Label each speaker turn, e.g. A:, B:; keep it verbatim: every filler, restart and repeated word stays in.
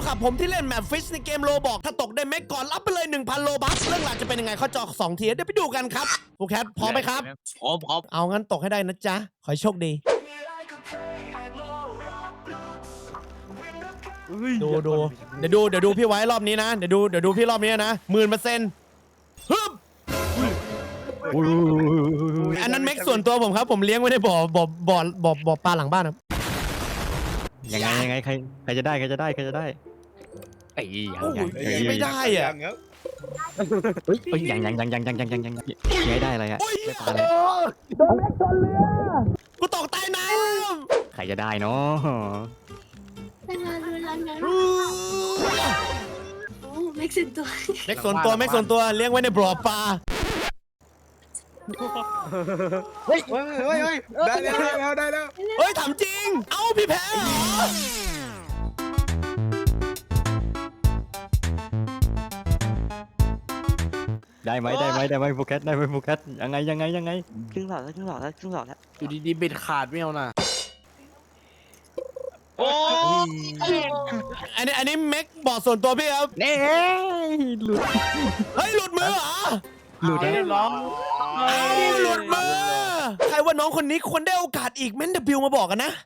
A: ครับผมที่เล่นแมปฟิชในเกมโลบอกถ้าตกได้เมกก่อนรับไปเลย หนึ่งพัน โลบัคเรื่องราวจะเป็นยังไงเขาจอสองทีเดี๋ยวไปดูกันครับฟูแคทพร้อมไหมครับ
B: พร้อมพร้อม
A: เอางั้นตกให้ได้นะจ๊ะขอให้โชคดี ดูดูเดี๋ยวดูเดี๋ยวดูพี่ไว้รอบนี้นะเดี๋ยวดูเดี๋ยวดูพี่รอบนี้นะหมื่นเปอร์เซ็นต์ฮึบอันนั้นเม็กส่วนตัวผมครับผมเลี้ยงไว้ในบ่อบ่อบ่อบ่อบ่อปลาหลังบ้านครับ
C: ยังไงยังไงใครใครจะได้ใครจะได้ใครจะได้
B: ไอ้ยัง
A: โอ้
B: ยัง
A: ยไม่ได้อ่ะ
C: เฮ้ยเฮ้ยยังยังยังยังยังยังยังยังยังไม่ได้อะไรอะ
A: โอ้ย
C: ได้ปลาอะไร
A: โดนเม็กชนเรือกูตกใต้น้
C: ใครจะได้เนาะ
D: เป็นงานเวลางาน
A: ำ
D: โอ้เม็กซินตัว
A: เม็กส่วนตัวเม็กส่วนตัวเลี้ยงไว้ในบ่อปลา
B: เฮ้ยเฮ้ยเฮ้ยเฮ้ยได้แล้วได้แล้ว
A: เฮ้ยถามจริงเอ้าพี่แพ้เหรอ
C: ได้ไหมได้ไหมได้ไหมโฟกัสได้ไหมโฟกัสยังไงยังไงยังไง
E: ครึ่งหลอดแล้วครึ่งหลอดแล้วครึ่งหลอดแล้ว
B: อยู่ดีๆเบ็ดขาดไม่เอานะโอ้
A: อันนี้อันนี้เม็กบ่อส่วนตัวพี่ครับ
C: เน่หลุด
A: เฮ้ยหลุดมือเหรอ
C: หลุด
B: เรี
C: แล้
B: ยว บร้อย
A: เอ้าหลุดมือใครว่าน้องคนนี้ควรได้โอกาสอีกเม้น W มาบอกกันนะ